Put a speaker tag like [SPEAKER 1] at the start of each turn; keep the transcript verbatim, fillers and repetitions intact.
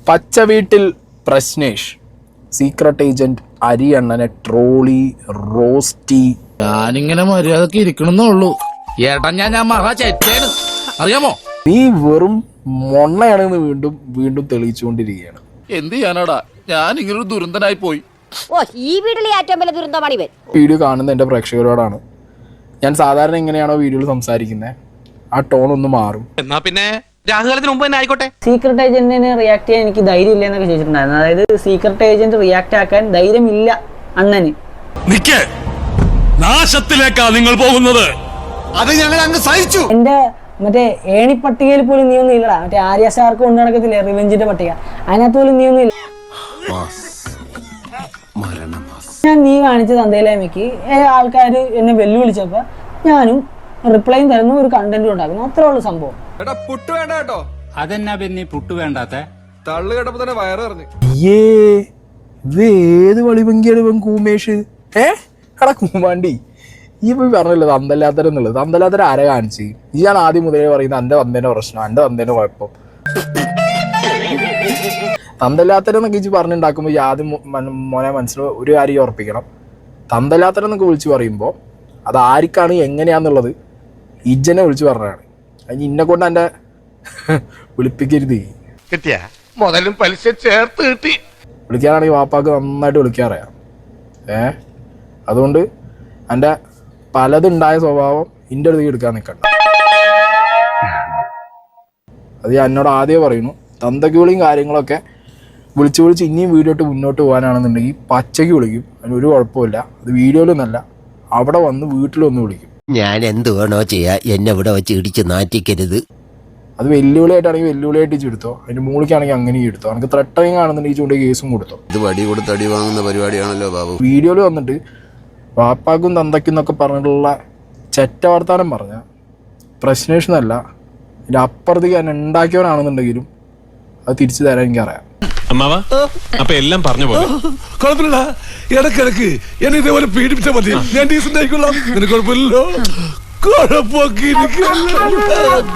[SPEAKER 1] പച്ച വീട്ടിൽ Prashnesh secret agent അരിയണ്ണനെ ട്രോളി റോസ്റ്റി.
[SPEAKER 2] ഞാനിങ്ങനെ മര്യാദക്ക് ഇരിക്കണമെന്നുള്ളൂ. ഏട്ടാ ഞാൻ ഞാൻ മഹാ ചേച്ചേന് അറിയാമോ?
[SPEAKER 1] നീ വെറും മൊണ്ണയാണെന്ന് വീണ്ടും വീണ്ടും തെളിയിച്ചുകൊണ്ടിരിക്കുകയാണ്.
[SPEAKER 2] എന്ത് ചെയ്യാനാടാ, ഞാൻ ഇങ്ങനൊരു ദുരന്തനായി പോയി.
[SPEAKER 3] ഓ, ഈ വീട്ടിലെ ഏറ്റവും വലിയ ദുരന്തമാണ് ഇവൻ.
[SPEAKER 1] വീഡിയോ കാണുന്ന എൻ്റെ പ്രേക്ഷകരോടാണ് ഞാൻ സാധാരണ എങ്ങനെയാണോ വീഡിയോയിൽ സംസാരിക്കുന്നത് ആ ടോൺ ഒന്ന് മാറും.
[SPEAKER 4] എന്നാ പിന്നെ രാഹുകാലത്തിന് മുമ്പ് തന്നെ ആയിക്കോട്ടെ.
[SPEAKER 5] സീക്രട്ട് ഏജന്റിനെ റിയാക്ട് ചെയ്യാൻ എനിക്ക് ധൈര്യം ഇല്ല എന്നൊക്കെ ചോദിച്ചിട്ടുണ്ടായിരുന്നു. അതായത് സീക്രട്ട് ഏജന്റ് റിയാക്ട് ആക്കാൻ ധൈര്യമില്ല അണ്ണന്.
[SPEAKER 6] നിക്കേ, നാശത്തിലേക്കാ നിങ്ങൾ പോകുന്നത്. അത് ഞങ്ങൾ അങ്ങ് സഹിച്ചു.
[SPEAKER 5] എന്റെ മറ്റേ ഏണിപ്പട്ടികയിൽ പോലും നീ ഒന്നും ഇല്ലടാ. മറ്റേ ആര്യ സ്റ്റാർക്ക് കൊണ്ടു നടക്കത്തില്ലേ റിവെഞ്ചിന്റെ പട്ടിക, അതിനകത്ത് പോലും നീ ഒന്നും ഇല്ല. ഞാൻ നീ കാണിച്ച തന്തയിലേമയ്ക്ക് ആൾക്കാർ എന്നെ വെല്ലുവിളിച്ചപ്പോ ഞാനും റിപ്ലൈയും തരുന്നു, ഒരു കണ്ടന്റും ഉണ്ടാക്കുന്നു. അത്രേ ഉള്ളൂ സംഭവം.
[SPEAKER 7] പുട്ട് വേണ്ട കേട്ടോ.
[SPEAKER 8] അതെന്നാ പിന്നെ പുട്ട് വേണ്ടാത്ത?
[SPEAKER 7] തള്ളു കേട്ടപ്പോ തന്നെ വയറ് പറഞ്ഞു.
[SPEAKER 1] ഏ ഇത് ഏത് വളിഭംഗിയാണ് ഇവൻ കൂമേഷ്? ഏ എടാ കൂമാണ്ടി, ഈ പോയി പറഞ്ഞല്ലോ തന്തല്ലാത്തരം എന്നുള്ളത്. തന്തല്ലാത്തരം ആരെ കാണിച്ച്? ഈ ഞാൻ ആദ്യം മുതലേ പറയുന്നത് എൻ്റെ തന്തേൻ്റെ പ്രശ്നം, എൻ്റെ തന്തേൻ്റെ കുഴപ്പം. തന്തല്ലാത്തരം എന്നൊക്കെ ഇച്ച് പറഞ്ഞുണ്ടാക്കുമ്പോൾ ഈ ആദ്യം മോനെ മനസ്സിൽ ഒരു കാര്യം ഉറപ്പിക്കണം. തന്തല്ലാത്തരം എന്നൊക്കെ വിളിച്ച് പറയുമ്പോൾ അത് ആർക്കാണ് എങ്ങനെയാന്നുള്ളത് ഇജ്ജനെ വിളിച്ച് പറഞ്ഞതാണ്. അതിന് ഇന്നെ കൊണ്ട് എൻ്റെ വിളിപ്പിക്കരുത്.
[SPEAKER 4] കിട്ടിയ മുതലും പലിശ ചേർത്ത് കിട്ടി.
[SPEAKER 1] വിളിക്കാനാണെങ്കിൽ വാപ്പാക്ക് നന്നായിട്ട് വിളിക്കാറിയാം. ഏ അതുകൊണ്ട് എൻ്റെ പലതുണ്ടായ സ്വഭാവം എൻ്റെ അടുത്തേക്ക് എടുക്കാൻ നിൽക്കണ്ട. അത് ഞാൻ എന്നോട് ആദ്യമേ പറയുന്നു. തന്തയ്ക്ക് വിളിയും കാര്യങ്ങളൊക്കെ വിളിച്ച് വിളിച്ച് ഇനിയും വീഡിയോ ഇട്ട് മുന്നോട്ട് പോകാനാണെന്നുണ്ടെങ്കിൽ പച്ചയ്ക്ക് വിളിക്കും, അതിനൊരു കുഴപ്പമില്ല. അത് വീഡിയോയിലൊന്നല്ല, അവിടെ വന്ന് വീട്ടിലൊന്ന് വിളിക്കും.
[SPEAKER 9] ഞാൻ എന്ത് വേണോ ചെയ്യാ, എന്നെ ഇവിടെ വെച്ച് ഇടിച്ച് നാറ്റിക്കരുത്.
[SPEAKER 1] അത് വെല്ലുവിളിയായിട്ടാണെങ്കിൽ വെല്ലുവിളിയായിട്ട് ചെടുത്തോ, അതിന് മൂളിക്കാണെങ്കിൽ അങ്ങനെയും എടുത്തോ. എനിക്ക് ത്രെട്ടറിങ് ആണെന്നുണ്ടെങ്കിൽ ചൂണ്ടി കേസും കൊടുത്തോ.
[SPEAKER 9] ഇത് വടി കൊടുത്ത് അടി വാങ്ങുന്ന പരിപാടിയാണല്ലോ ബാബു.
[SPEAKER 1] വീഡിയോയിൽ വന്നിട്ട് വാപ്പാക്കും തന്തയ്ക്കും എന്നൊക്കെ പറഞ്ഞിട്ടുള്ള ചെറ്റ വർത്താനം പറഞ്ഞ പ്രശ്നേഷ് എന്നല്ല, ഇതിൻ്റെ അപ്പുറത്തേക്ക് ഞാൻ ഉണ്ടാക്കിയവനാണെന്നുണ്ടെങ്കിലും അത് തിരിച്ചു തരാൻ എനിക്കറിയാം.
[SPEAKER 6] അമ്മാവാ, അപ്പൊ എല്ലാം പറഞ്ഞു പോലെ കുഴപ്പമില്ല. ഇടക്കിടക്ക് എന്നെ ഇതേപോലെ പീഡിപ്പിച്ചാൽ മതി, ഞാൻ ഡീസന്റ് ആയിക്കൊള്ളാം. നിനക്ക് കുഴപ്പമില്ലല്ലോ. കുഴപ്പമൊക്കെ